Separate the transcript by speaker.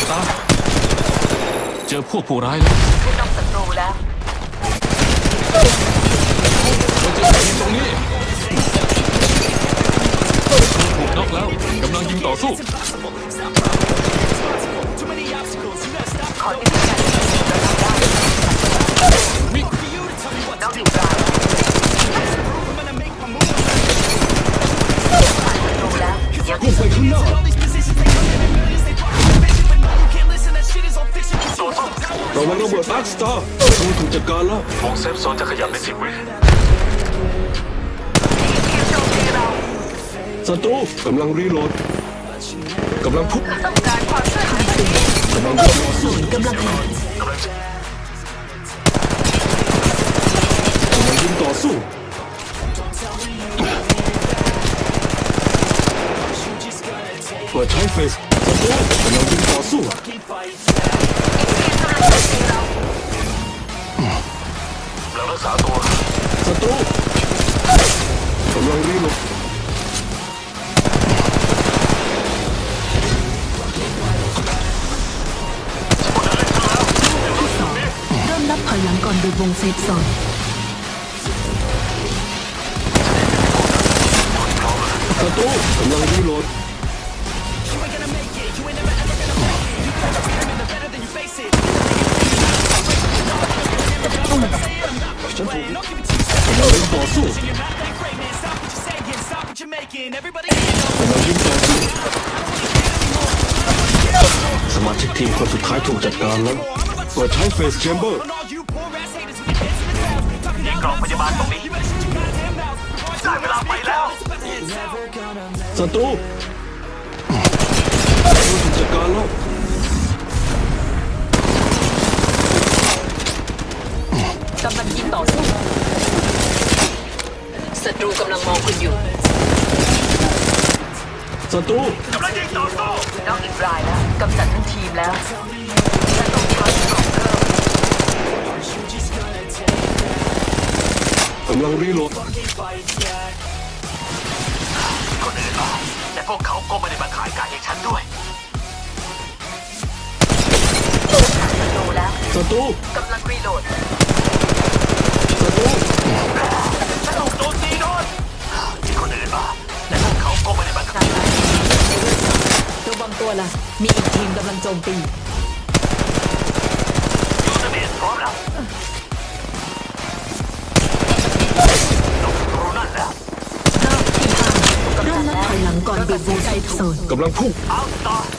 Speaker 1: ตาเจอพวกผู้ร้ายแล้ว
Speaker 2: ขึ้นนอกศัตรูแล้ว
Speaker 1: เราเจอทีมตรงนี้ถูกน็อกแล้วกำลังยิงต่อสู้
Speaker 2: ขอยืนยัน
Speaker 1: มิ
Speaker 2: น้องอีกรายผ่านศัตรูแล้วยัง
Speaker 3: พุ่งไปข้างหน้าระวังระเบิดอาร์คสตาร์ศัตรูถูกจัดการแล้ว
Speaker 4: วงเซฟโซนจะขยับใน10 วิ
Speaker 2: ทีมโจมตีเรา
Speaker 3: ศัตรูกำลังรีโหลดกำลังพุ่ง
Speaker 2: ต้องการความช่วยเหลือก
Speaker 3: ำลังพุ่งต่อสู้
Speaker 2: กำลังหาก
Speaker 4: ำลังจะ
Speaker 3: กำลังยิงต่อสู้เปิดใช้เฟสศัตรูกำลังยิงต่อสู้
Speaker 2: ทีมกำลังโจมตีเรา
Speaker 4: กำลังรักษาตัว
Speaker 3: ศัตรูกำลังรีโหลด
Speaker 5: เริ่มนับถอยหลังก่อนโดยวงเซฟโซน
Speaker 3: ศัตรูกำลังรีโหลดฉันถูกกำลังยิงต่อสู้กำลังยิงต่อสู้สมาชิกทีมคนสุดท้ายถูกจัดการแล้วเปิดใช้เฟสแชมเบอร์
Speaker 4: ยิงกล่องพยาบาลตรงนี้ได้เวลาไปแล้ว
Speaker 3: ศัตรูถูกจัดการแล้ว
Speaker 2: กำลังยิงต่อสู้ศัตรูกำลังมองคุณอยู่
Speaker 3: ศัตรู
Speaker 4: กำลังยิงต่อสู้
Speaker 2: น้องอีกรายแล้วกำจัดทั้งทีมแล้วและต้องชาร์จกล่องเพิ่ม
Speaker 3: กำลังรีโหลด
Speaker 4: คนอื่นมาแต่พวกเขาก็ไม่ได้มาขายไก่ให้ฉันด้วย
Speaker 2: ศัตรูแล้ว
Speaker 3: ศัตรู
Speaker 2: กำลังรีโหลด
Speaker 3: ศัตรู
Speaker 4: ฉันถูกโจมตีโดนมีคนอื่นมาแต่พวกเขาก็ไม่ได้มาขาย
Speaker 2: ระวังตัวล่ะ มีอีกทีมกำลังโจมตี
Speaker 4: ยูเซเบียนพร้อมแล้วตกรูนั่นแล้ว
Speaker 5: เริ่มนับถอยหลังก่อนโดยวงเซฟโซน
Speaker 3: กำลังพุ่ง
Speaker 4: เอาต่อ